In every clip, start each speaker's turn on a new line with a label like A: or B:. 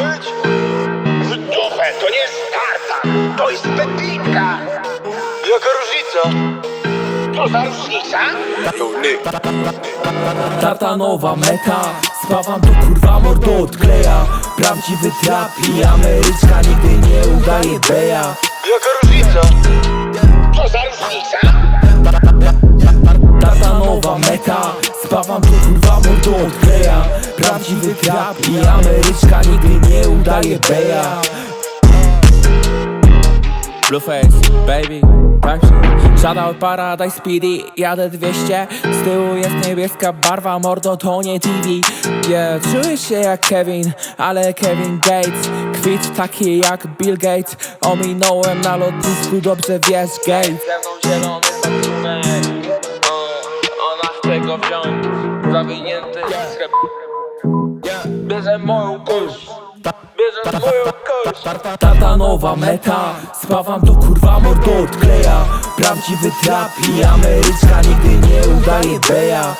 A: być? W dupę, to nie jest tartan, to jest pepinka. Jaka różnica? Co za różnica?
B: Tartanowa meta, spawam to kurwa mordo odkleja. Prawdziwy trap i Ameryczka nigdy nie udaje beja.
A: Jaka różnica? Co za różnica?
B: Tartanowa meta, spawam to kurwa mordo odkleja. Prawdziwy trap i Ameryczka nigdy nie udaje beja. Blueface, baby, tak się Shoutout Paradise Speedy, jadę 200. Z tyłu jest niebieska barwa, mordo to nie TV. Yeah, czuję się jak Kevin, ale Kevin Gates. Kwit taki jak Bill Gates. Ominąłem na lotnisku, dobrze wiesz Gates.
C: Ze mną zielony pakunek, ona chce go wziąć, zawinięty sklep. Bierze moją kość, bierze moją kość.
B: Tartanowa meta, spawam to kurwa mordo odkleja. Prawdziwy trap i Ameryczka nigdy nie udaje beja.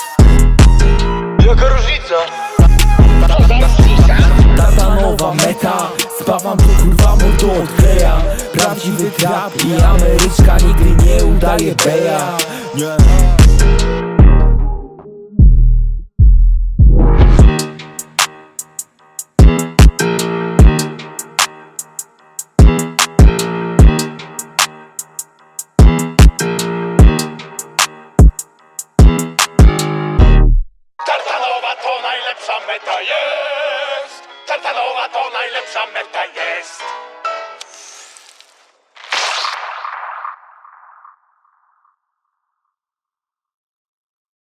A: Jaka różnica? Co za różnica?
B: Tartanowa meta, spawam to kurwa mordo odkleja. Prawdziwy trap i Ameryczka nigdy nie udaje beja.
A: Tartanowa to najlepsza meta jest. Tartanowa to najlepsza meta jest.